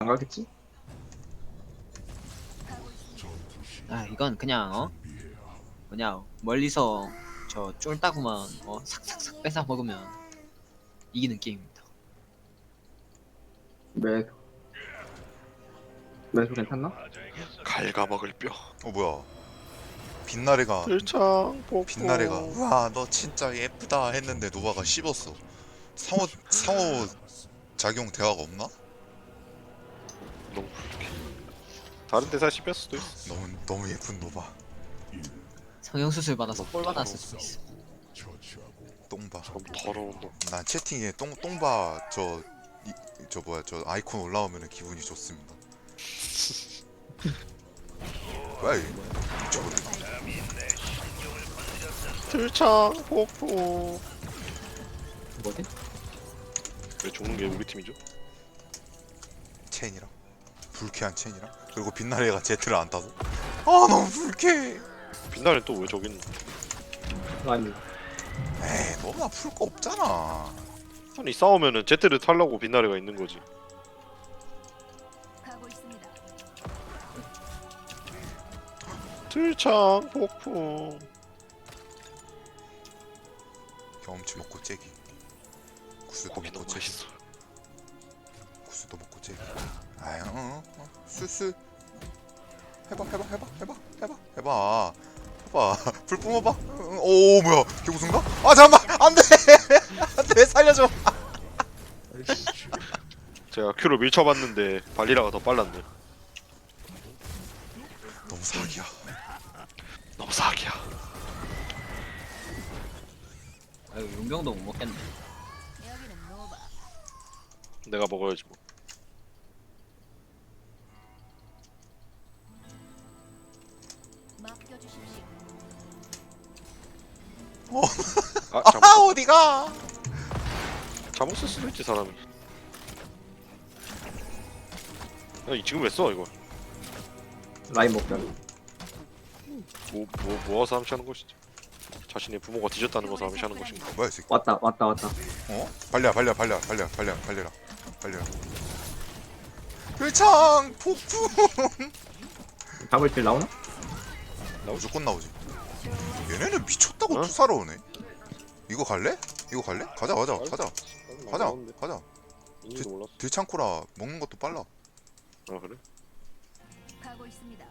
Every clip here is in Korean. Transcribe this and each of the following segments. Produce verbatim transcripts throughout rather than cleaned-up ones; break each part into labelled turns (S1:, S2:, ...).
S1: 안 가겠지?
S2: 아 이건 그냥 어 뭐냐 멀리서 저 쫄따구만 어 삭삭삭 뺏어 먹으면 이기는 게임입니다.
S1: 매 매수 괜찮나?
S3: 갉아먹을 뼈.
S4: 어 뭐야 빛나래가
S3: 들창 복부.
S4: 빛나래가 우와 너 진짜 예쁘다 했는데 노바가 씹었어. 상호 상호 작용 대화가 없나?
S3: 너무 불쾌. 다른 데서 씹혔을 수도 있어.
S4: 너무 너무 예쁜 노바.
S2: 성형수술 받아서 꼴 받았을 수도 있어.
S4: 똥바.
S3: 너무 더러운 놈.
S4: 난 채팅에 똥 똥바 저 이, 저 뭐야 저 아이콘 올라오면 기분이 좋습니다. 뭐야 이게? 저거
S3: 들창 복부.
S1: 뭐지?
S3: 왜 죽는 게 우리 팀이죠?
S4: 체인이랑 불쾌한 체인이랑 그리고 빛나래가 제트를 안 타서 아 너무 불쾌해.
S3: 빛나는 또 왜 저기 있는?
S1: 아니
S4: 에이 너나 풀 거 없잖아.
S3: 아니 싸우면은 제트를 타려고 빛나래가 있는 거지.
S5: 가고 있습니다.
S3: 들창 복부.
S4: 경험치 먹고 째기. 구슬도
S3: 고기
S4: 먹고
S3: 너무
S4: 째기.
S3: 맛있어.
S4: 구슬도 먹고 째기. 아유 어, 어, 술술 해봐 해봐 해봐 해봐 해봐 해봐 해봐 불 뿜어봐. 응, 오 뭐야 개구순가? 아 잠깐만 안돼 안돼 살려줘.
S3: 제가 큐로 밀쳐봤는데 발리라가 더 빨랐네.
S4: 너무 사기야.
S3: 너무 사기야.
S2: 아유 용병도 못 먹겠네.
S5: 여기는 노바.
S3: 내가 먹어야지 뭐.
S5: 맡겨주십시오.
S3: 아
S4: 아
S3: 잘못
S4: 어디가?
S3: 잘못 쓸 수도 있지 사람이. 아니 지금 왜 써 이거?
S1: 라인 먹자고.
S3: 뭐, 뭐, 모아서 함시하는 것이지. 자신의 부모가 뒤졌다는 것을 함시하는 것인가.
S4: 뭐야 이 새끼?
S1: 왔다 왔다 왔다.
S4: 어? 발려 발려 발려 발려 발려 발려라 발려라. 불창 폭풍.
S1: 잡을 길 나오나?
S4: 무조건 나오지. 얘네는 미쳤다고
S3: 어?
S4: 투사로 오네. 이거 갈래? 이거 갈래? 가자 가자 가자 가자 가자.
S3: 인지도 몰랐어.
S4: 들창코라 먹는 것도 빨라.
S3: 아 그래?
S5: 가고 있습니다.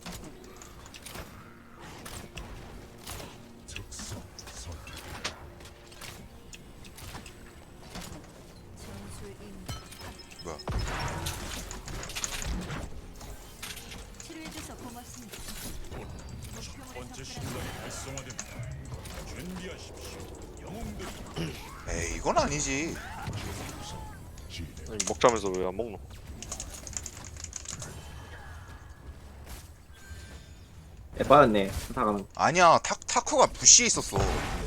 S5: 전술 임무.
S4: 뭐야?
S5: 치료해줘서 고맙습니다.
S6: 번째 신문이 활성화됩니다. 준비하십시오. 영웅들
S4: 에이 이건 아니지.
S3: 아니, 먹자면서 왜 안 먹노?
S1: 에 빠졌네. 수사가는.
S4: 아니야 타 타쿠가 부시에 있었어.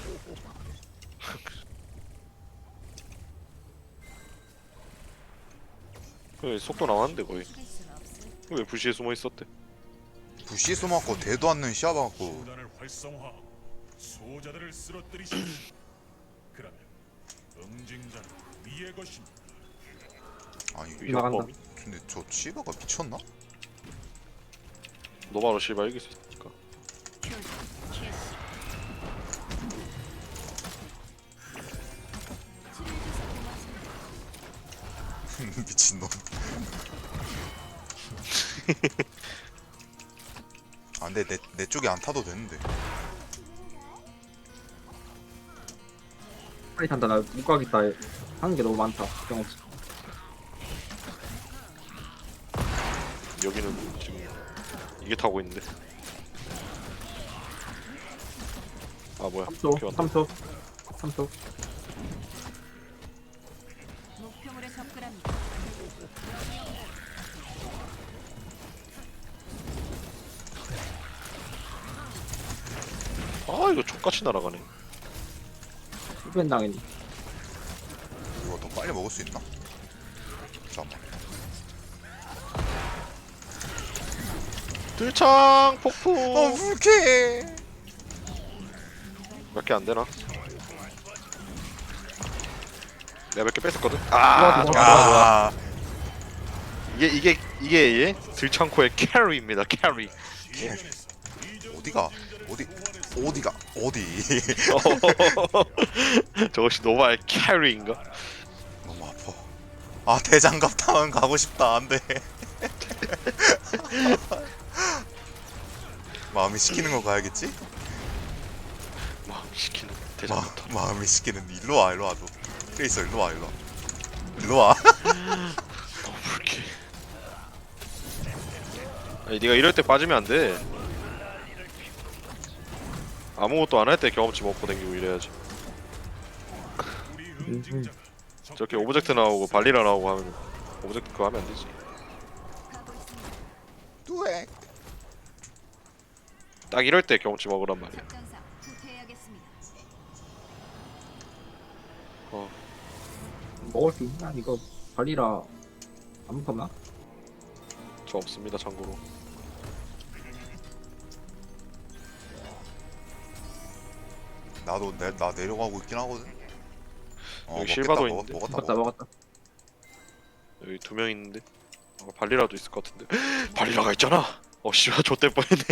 S3: 왜 속도 나왔는데 거의.
S5: 할 수는 없을.
S3: 왜 부시에 숨어 있었대?
S4: 부시에 숨어갖고 대도 않는 시야봐갖고
S6: 수단을 활성화하고 수호자들을 쓰러뜨리십시오. 그러면 응징자는 위의 것입니다.
S4: 아니
S1: 나간다.
S3: 위협범이?
S4: 근데 저 치바가 미쳤나?
S3: 너 바로 씨발 이길 수 있으니까.
S5: 표정 캐시. 치료해줘서 고맙습니다.
S4: 미친놈. 아 근데 내, 내 쪽에 안 타도 되는데.
S1: 빨리 탄다. 나 못 가겠다. 하는 게 너무 많다. 경험치.
S3: 여기는 지금 이게 타고 있는데. 아 뭐야?
S1: 삼 초.
S3: 오케이, 왔다.
S1: 삼 초. 삼 초.
S5: 목표물에 접근합니다.
S3: 아 이거 족같이 날아가네.
S1: 후변 당했네.
S4: 이거 더 빨리 먹을 수 있나? 잠깐만.
S3: 들창 폭풍.
S4: 어 불쾌해.
S3: 몇 개 안 되나? 내가 몇 개 뺐었거든. 아,
S1: 좋아, 좋아.
S4: 아
S3: 이게 이게 이게 예? 들창코의 캐리입니다. 캐리.
S4: 어디가 어디 어디가 어디
S3: 저것이 노바의 캐리인가?
S4: 너무 아파. 아 대장갑 타운 가고 싶다. 안돼. 마음이 시키는 거 가야겠지?
S3: 막 시키는
S4: 마,
S3: 대장부터.
S4: 마음이 시키는 일로 와 일로 와 너. 트레이서 일로 와 일로 와 일로 와.
S3: 너무 불쾌. 아니 네가 이럴 때 빠지면 안 돼. 아무것도 안 할 때 경험치 먹고 댕기고 이래야지.
S6: 우리 응징자가
S3: 저렇게 오브젝트 나오고 발리라 나오고 하면 오브젝트 그거 하면 안 되지.
S5: 가고 있습니다.
S4: 뚜에.
S3: 딱 이럴 때 경험치 먹으란 말이야.
S5: 작전상 후퇴해야겠습니다.
S3: 어.
S1: 먹을 수 있나? 이거 발리라 안 먹었나?
S3: 저 없습니다 참고로.
S4: 나도 내, 나 내려가고 있긴 하거든. 어,
S3: 여기
S4: 먹겠다,
S3: 실바도
S4: 먹,
S3: 있는데?
S4: 먹었다
S1: 먹었다
S4: 먹었다.
S1: 먹었다.
S3: 여기 두 명 있는데 어, 발리라도 있을 것 같은데. 발리라가 있잖아. 어 씨발 좆될 뻔했네.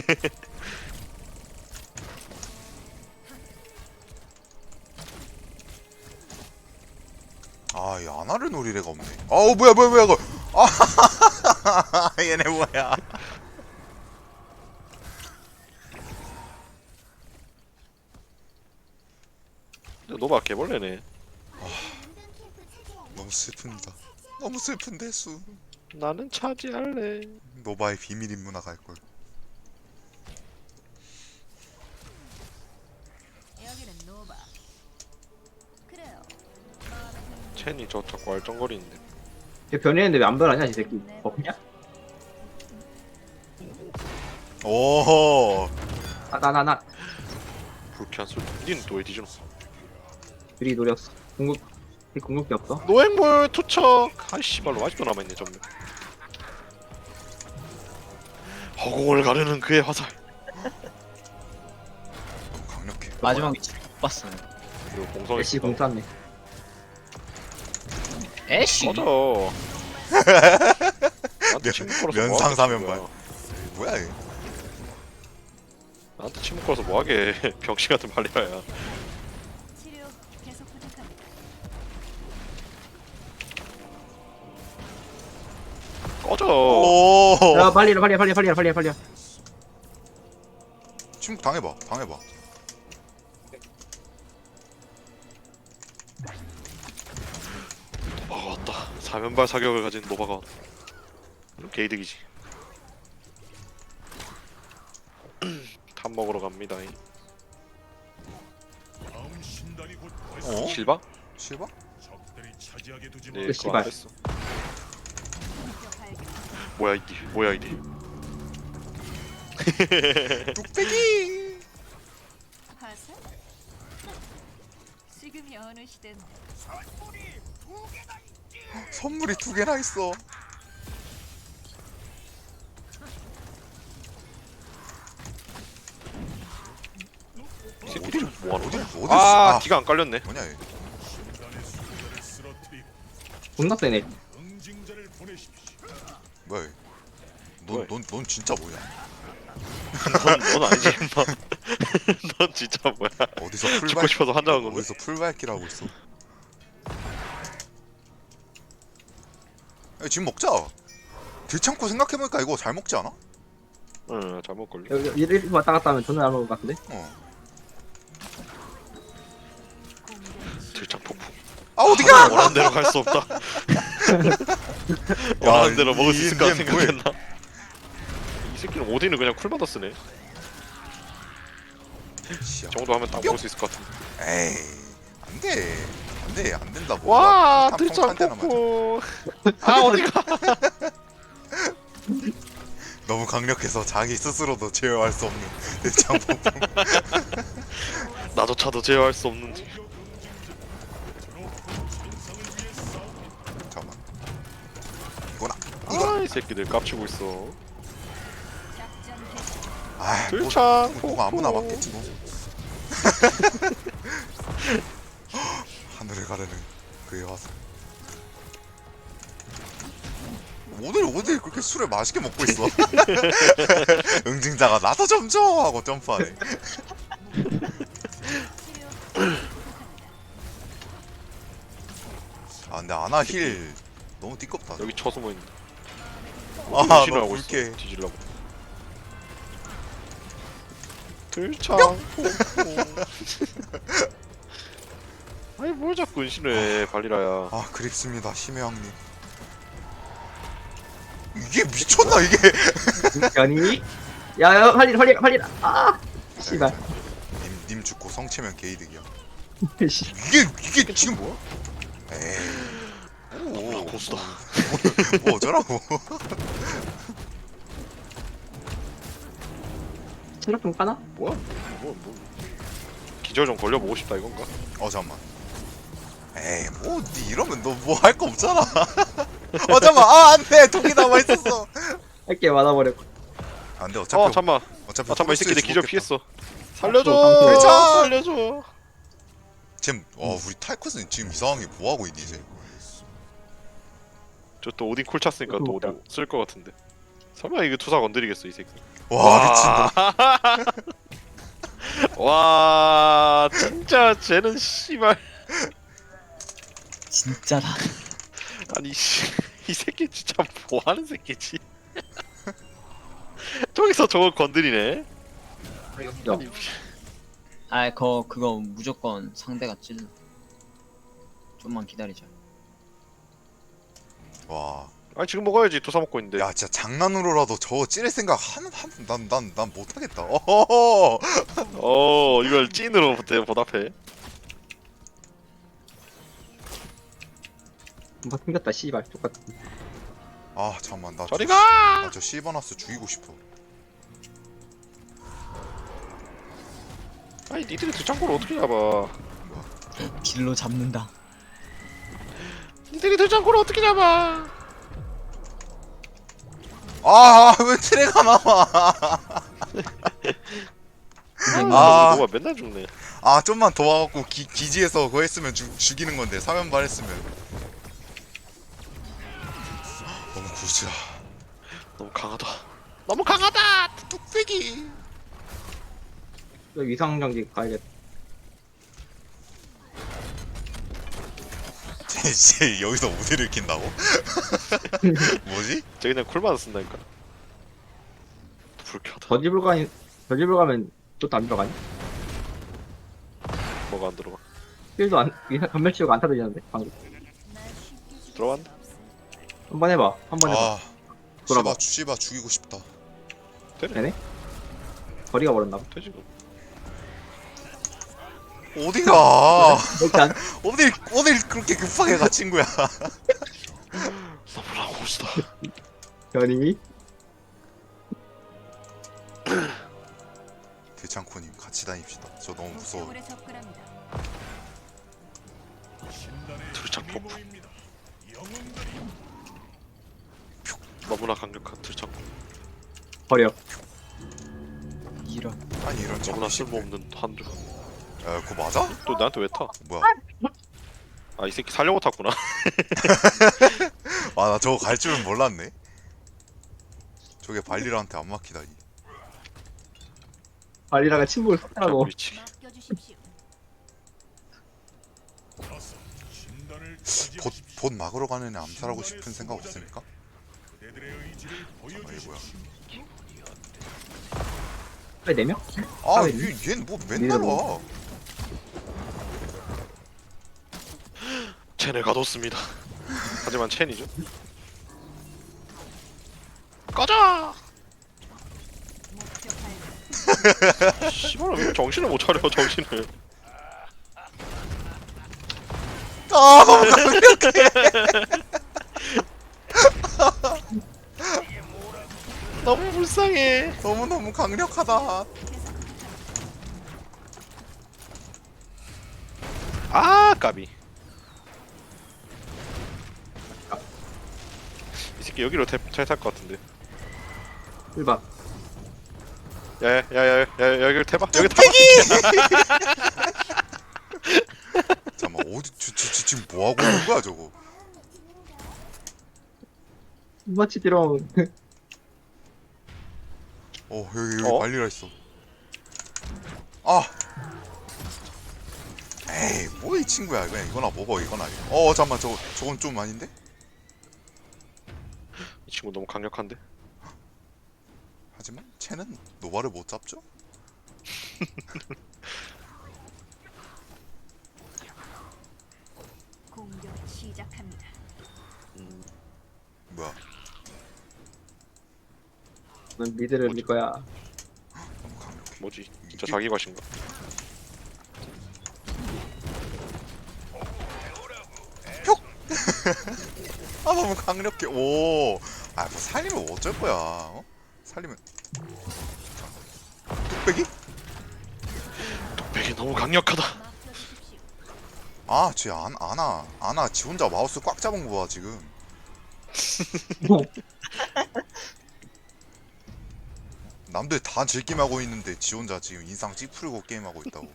S4: 아, 이 아나를 노릴 애가 없네. 아우 뭐야 뭐야 뭐야 이거. 아, 얘네 뭐야?
S3: 노바 개벌레네.
S4: 너무 슬픕니다. 너무 슬픈데 수.
S3: 나는 차지할래.
S4: 노바의 비밀 인문화 갈 걸.
S5: 여기는 노바. 그래요.
S3: 첸이 저 자꾸 알쩡거리는데.
S1: 얘 변했는데 왜 안 변하냐 이 새끼. 없냐?
S4: 오.
S1: 나나 나.
S3: 불쾌한 소리. 니는 또 왜 뒤져놨어?
S1: 둘이 노렸어. 궁극 이 궁극기 없어?
S3: 노획물 투척. 아이 씨발로 아직도 남아있네 전면. 허공을 가르는 그의 화살.
S4: 너무 강력해.
S2: 마지막 위치 못 봤어요.
S3: 그리고 공성이
S1: 애쉬 공 쐈네.
S2: 애쉬.
S3: 꺼져. 나한테 침묵 걸어서
S4: 면상
S3: 뭐하게
S4: 사면발.
S3: 친구야.
S4: 뭐야 얘?
S3: 나한테 침묵 걸어서 뭐하게. 병신 같은 발리라야.
S5: 치료 계속 부탁합니다.
S3: 꺼져.
S4: 오.
S1: 야 발리라 발리라 발리라 발리라 발리라 발리라.
S4: 침묵 당해봐 당해봐.
S3: 노바가 왔다. 사면발 사격을 가진 노바가 왔다. 그럼 개이득이지. 탑 먹으러 갑니다.
S6: 다음 신단이 곧
S4: 어?
S6: 발성.
S3: 실바?
S4: 실바?
S6: 적들이 차지하게 두지
S3: 네,
S6: 마.
S3: 그거
S1: 씨발.
S3: 안 했어.
S5: 목표 발견.
S3: 뭐야 이디? 뭐야 이디?
S4: 뚝배기.
S5: 화살? 지금이 어느 시대인데
S4: 선물이 두 개나 있어.
S3: 이 새끼들 뭐하는
S4: 어디
S3: 거야?
S4: 어디
S3: 아,
S4: 아,
S3: 기가 안 깔렸네.
S4: 뭐냐 얘?
S6: 신단의 수호자를 쓰러뜨리고
S1: 존나 세네.
S6: 응징자를 보내십시오.
S4: 뭐야 얘?
S3: 뭐야?
S4: 넌넌 넌 진짜 뭐야?
S3: 넌, 넌 아니지 임마. 넌 진짜 뭐야?
S4: 어디서
S3: 죽고
S4: 풀발
S3: 싶어서 환장한 건데.
S4: 어디서 풀발기를 하고 있어? 야, 지금 먹자. 들창고 생각해보니까 이거 잘 먹지 않아?
S3: 응, 잘못 걸려.
S1: 여기 이리 왔다 갔다 하면 존나 잘 먹을 것 같은데?
S4: 어.
S3: 들창 폭풍.
S4: 아 어디가?
S3: 원하는 대로 갈 수 없다. 원하는 대로 먹을 수
S4: 이-
S3: 있을까
S4: 얘 뭐해?
S3: 생각했나? 이 새끼는 오딘을 그냥 쿨 받아 쓰네.
S4: 씨야.
S3: 이 정도 하면 딱 먹을 수 있을 것 같은데.
S4: 에이 안돼 안돼 안 된다. 뭐.
S3: 와,
S4: 탐-
S3: 들창
S4: 탐- 탐-
S3: 폭풍. 아 어디가?
S4: 너무 강력해서 자기 스스로도 제어할 수 없는 들창 폭풍.
S3: 나조차도 제어할 수 없는.
S4: 잠깐만. 이거나.
S3: 아, 이 새끼들 깝치고 있어.
S5: 작전 개시.
S4: 아, 뭐,
S3: 들창
S4: 뭐
S3: 폭풍.
S4: 아무나 맞겠지 뭐. 하늘을 가르는 그의 화살. 오늘 오늘 그렇게 술을 맛있게 먹고 있어. 응징자가 나도 좀 줘 하고 점프하네. 아 근데 아나 힐 너무 띠껍다.
S3: 여기 쳐 숨어 있는데.
S4: 아,
S3: 변신을
S4: 너
S3: 하고 있어.
S4: 굵게.
S3: 뒤질라고. 들창. 아니 뭘 자꾸 은신을 해 발리라야.
S4: 아 그립습니다 심해 형님. 이게 미쳤나 이게?
S1: 아니? 야야 빨리 빨리 빨리 아 씨발.
S4: 님, 님 죽고 성체면 게이득이야.
S1: 씨.
S4: 이게 이게 지금 뭐야? 에이. 오,
S3: 고수다.
S4: 뭐, 뭐 어쩌라고?
S1: 체력 좀 까나?
S3: 뭐야? 뭐 뭐. 기절 좀 걸려보고 싶다 이건가?
S4: 어 잠만. 에이 뭐니 이러면 너 뭐 할 거 없잖아. 어 잠만 아 안돼 독이 남아 있었어.
S1: 할게 많아버렸고.
S4: 안돼 어차피
S3: 어 잠만.
S4: 어차피
S3: 아 잠만 이 새끼 내 기절
S4: 죽었겠다.
S3: 피했어. 살려줘.
S1: 어,
S3: 살려줘.
S4: 지금 어 우리 탈컷은 지금 이상하게 뭐 하고 있니 이제?
S3: 저 또 오딘 콜 찼으니까 또 오딘 쓸 것 같은데. 설마 이거 투사 건드리겠어 이 새끼.
S4: 와 미친.
S3: 와 진짜 쟤는 씨발.
S2: 진짜다.
S3: 아니 씨, 이 새끼 진짜 뭐 하는 새끼지? 저기서 저거 건드리네.
S1: 야,
S3: 아니,
S2: 아, 거 그거 무조건 상대가 찔러. 좀만 기다리자.
S4: 와.
S3: 아니 지금 먹어야지 투사 먹고 있는데.
S4: 야 진짜 장난으로라도 저거 찌를 생각 하는 한난난 난 못하겠다. 어허허.
S3: 어 이걸 찐으로 보- 보답해.
S1: 뭔가 생겼다 씨발 똑같.
S4: 아 잠만 나
S3: 저리
S4: 저-
S3: 가!
S4: 나 저 시버너스 죽이고 싶어.
S3: 아니 니들이 들창고를 어떻게 잡아?
S2: 길로 잡는다.
S3: 니들이 들창고를 어떻게 잡아?
S4: 아왜 트레가 나와?
S3: 아
S4: 아.
S3: 뭐가 맨날 죽네.
S4: 아 좀만 더 와갖고 기, 기지에서 그거 했으면 죽, 죽이는 건데 사면발 했으면. 너무 굿이야.
S3: 너무 강하다. 너무 강하다.
S4: 뚝배기.
S1: 위상정지 가야겠다.
S4: 쟤, 쟤 여기서 우대를 킨다고? 뭐지?
S3: 쟤 그냥 쿨만 쓴다니까. 불쾌하다.
S1: 저집을 가면 저집을 가면 또안 들어가니?
S3: 뭐가 안 들어가.
S1: 필도 안 위상 전멸 치우고 안 타들리는데 방금.
S3: 들어갔네.
S1: 한번 해봐. 한번 해봐.
S4: 아
S1: 돌아봐.
S4: 씨바 씨바 죽이고 싶다.
S1: 되네? 거리가 멀었나 봐.
S3: 되지 뭐.
S4: 어디가?
S1: 일단
S4: 어딜 어딜 그렇게 급하게 가 친구야.
S3: 너무나 고수다.
S1: 변이
S4: 대창코님 같이 다닙시다. 저 너무 무서워.
S5: 목표물에 접근합니다.
S6: 신단의
S3: 들창
S6: 힘이
S3: 폭풍.
S6: 모입니다. 영웅들이
S3: 너무나 강력한 들창고.
S1: 버려.
S2: 이런.
S4: 아니 이런
S3: 너무나
S4: 참기
S3: 쓸모없는 한조.
S4: 야 그거 맞아?
S3: 또 나한테 왜 타?
S4: 뭐야?
S3: 아 이 새끼 살려고 탔구나.
S4: 아 나 저거 갈 줄은 몰랐네. 저게 발리라한테 안 막히다니.
S1: 발리라가 친구를 섞으라고.
S3: 미치게.
S5: 맡겨주십시오.
S6: 어서 신단을
S4: 봇,
S6: 차지하십시오.
S4: 봇 막으러 가는 애 암살하고 싶은 생각 없습니까?
S6: 그대들의 의지를
S4: 잠깐만, 이거
S6: 보여주십시오.
S1: 그래 네 명?
S4: 아,
S1: 아,
S4: 얘, 얘는 뭐 맨날 와.
S3: 첸을 가뒀습니다. 하지만 첸이죠. 꺼져!
S5: 목표 발견.
S3: 씨발 왜 정신을 못 차려 정신을.
S4: 아, 너무 강력해.
S3: 너무 불쌍해.
S4: 너무 너무 강력하다.
S3: 아 까비. 이 새끼 여기로 잘탈 것 같은데.
S1: 일봐.
S3: 야야야야 여기를 태봐. 여기 타봐.
S4: 잠깐만 어디 저, 저, 저, 지금 뭐 하고 있는 거야 저거?
S1: 마치지롱.
S4: 어 여기 여기
S3: 어?
S4: 발리라 있어. 아. 에이 뭐 이 친구야 그냥 이거나 먹어 이거나. 어 잠만 저 저건 좀 아닌데?
S3: 이 친구 너무 강력한데?
S4: 하지만 쟤는 노바를 못 잡죠?
S5: 공격 시작합니다.
S3: 음,
S4: 뭐야?
S1: 넌 미드를 밀 거야.
S4: 너무 강력해.
S3: 뭐지? 진짜
S4: 이게-
S3: 자기 과신가?
S4: 아 너무 강력해. 오. 아뭐 살리면 어쩔 거야? 어? 살리면. 뚝배기?
S3: 뚝배기 너무 강력하다.
S5: 맡겨주십시오.
S4: 아, 쟤 안, 아나, 아나, 지 혼자 마우스 꽉 잡은 거 봐, 지금. 남들 다 즐김하고 있는데 지 혼자 지금 인상 찌푸리고 게임하고 있다고.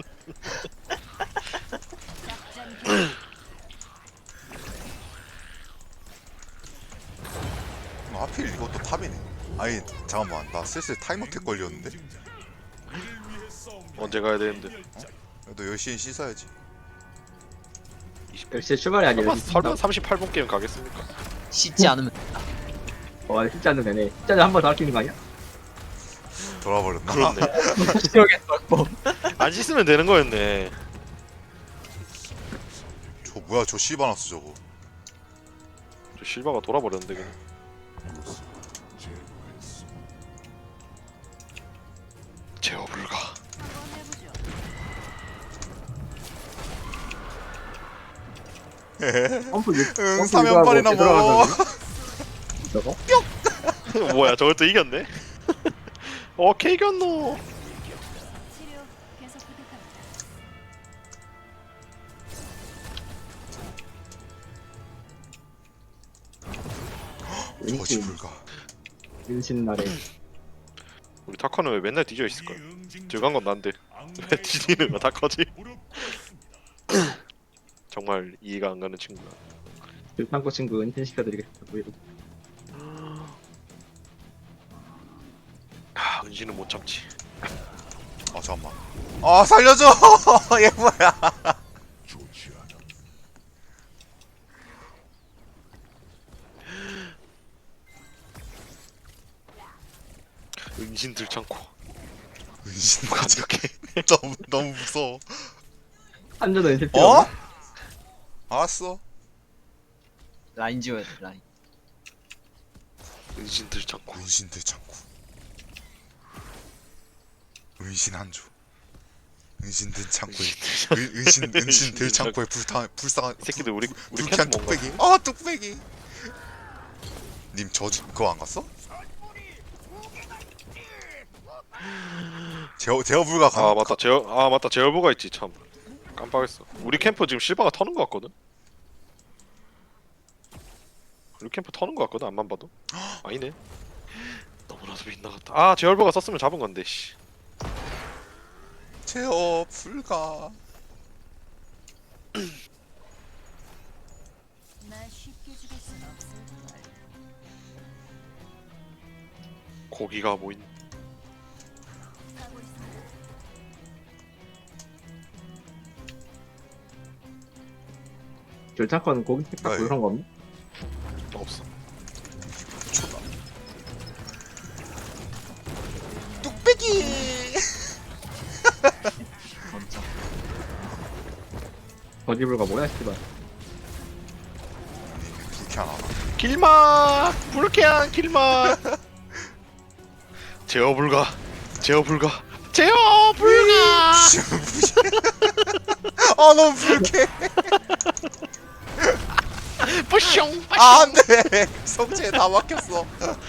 S5: 작전 개
S4: 어, 하필 이것도 탑이네. 아니, 잠깐만, 나 슬슬 타임어택 걸렸는데?
S3: 언제 가야 되는데?
S4: 너 열 시엔 씻어야지.
S1: 열시 출발이 아니라.
S3: 설마, 설마 삼십팔 분 게임 가겠습니까?
S2: 씻지 않으면
S1: 와, 진짜 안 되네. 진짜 한 번 더 할 수 있는 거 아니야?
S4: 돌아버렸나?
S3: 그렇네.
S2: 그러겠어. 뭐.
S3: 안 씻으면 되는 거였네.
S4: 저 뭐야, 저 씨바나스 저거.
S3: 저 실바가 돌아버렸는데 그냥. 제어 불가.
S5: 한번 해보죠.
S1: 펌프 육.
S4: 응, 사면발이나 뭐.
S1: 저거?
S3: 뭐야 저걸 또 이겼네? 어 케이겼노.
S5: 치료 계속 부탁합니다.
S4: 저지 불가.
S1: 윤신 날에.
S3: 우리 타커는 왜 맨날 뒤져 있을까? 들어간 건 난데 왜 뒤지는 거 타커지? 정말 이해가 안 가는 친구야.
S1: 들판고 친구 은신 시켜드리겠습니다. 뭐 이러고.
S3: 아 은신은 못 참지.
S4: 아, 잠깐만. 아, 살려줘! 얘 뭐야.
S3: 은신 들창고
S4: 은신
S3: 강력해.
S4: 너무, 너무 무서워.
S1: 한전은 은신 필요
S4: 어?
S1: 없나?
S4: 알았어.
S2: 라인 지워야 돼 라인.
S3: 은신 들창고.
S4: 은신 대창고. 은신 한조. 은신 대창고에
S3: 은신
S4: 은- 은신 은신 대창고에 불타 불쌍한
S3: 이 새끼들 우리 우리
S4: 불쾌한
S3: 캠프 뭔가
S4: 뚝배기. 아 뚝배기. 님 저 그거 안 갔어? 제어 제어 불가 가.
S3: 아 맞다 제어 아 맞다 제어부가 있지 참 깜빡했어. 우리 캠프 지금 실바가 터는 거 같거든. 우리 캠프 터는 거 같거든 안만 봐도. 아니네. 너무나도 빗나갔다. 아 제어부가 썼으면 잡은 건데 씨.
S4: 제어 불가.
S5: 날 쉽게 죽일 순 없을 걸.
S3: 고기가 모인.
S5: 가고 있습니다.
S1: 결창권 고기 팩
S4: 아이.
S1: 그런 거 없나?
S3: 없어.
S4: 미쳤다. 뚝배기.
S2: 먼저.
S1: 거지불가 뭐야 씨발.
S4: 님 불쾌한 하나.
S3: 길막 불쾌한 길막. 제어 불가. 제어 불가. 제어 불가.
S4: 아 너무 불쾌.
S3: 뿌숑.
S4: 아 안돼. 성체에 다 막혔어.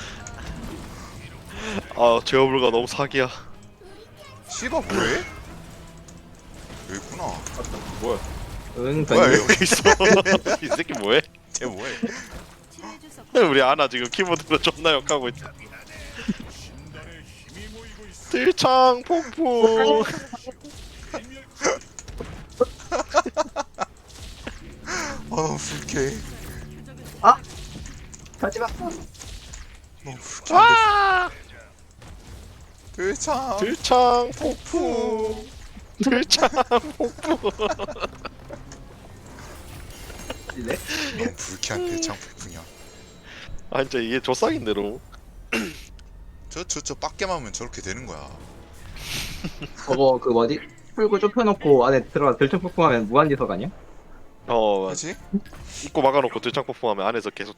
S3: 아 제어 불가 너무 사기야.
S4: 씨바 뭐해? 여기 있구나.
S3: 뭐야?
S1: 응,
S4: 뭐야
S1: 던지.
S4: 여기
S3: 여기 있어. 이 새끼 뭐해?
S4: 쟤 뭐해?
S5: 치료 주석
S3: 우리 아나 지금 키보드로 존나 욕하고 있다.
S6: 신단의 힘이 모이고 있어.
S3: 들창 폭풍.
S4: 아 너무 불쾌해.
S1: 하지마.
S4: 너무 불쾌한데. 들창.
S3: 들창 폭풍. 들창 폭풍.
S1: 이래?
S4: 너무 불쾌한 대창 폭풍이야.
S3: 아 진짜 이게 조싹인데 너무.
S4: 저저 저 빡게만 하면 저렇게 되는 거야.
S1: 저거 그 뭐지? 풀고 좁혀놓고 안에 들어가 들청폭풍하면 무한지석 아니야?
S3: 어
S4: 그렇지?
S3: 입고 막아놓고 들창 폭풍하면 안에서 계속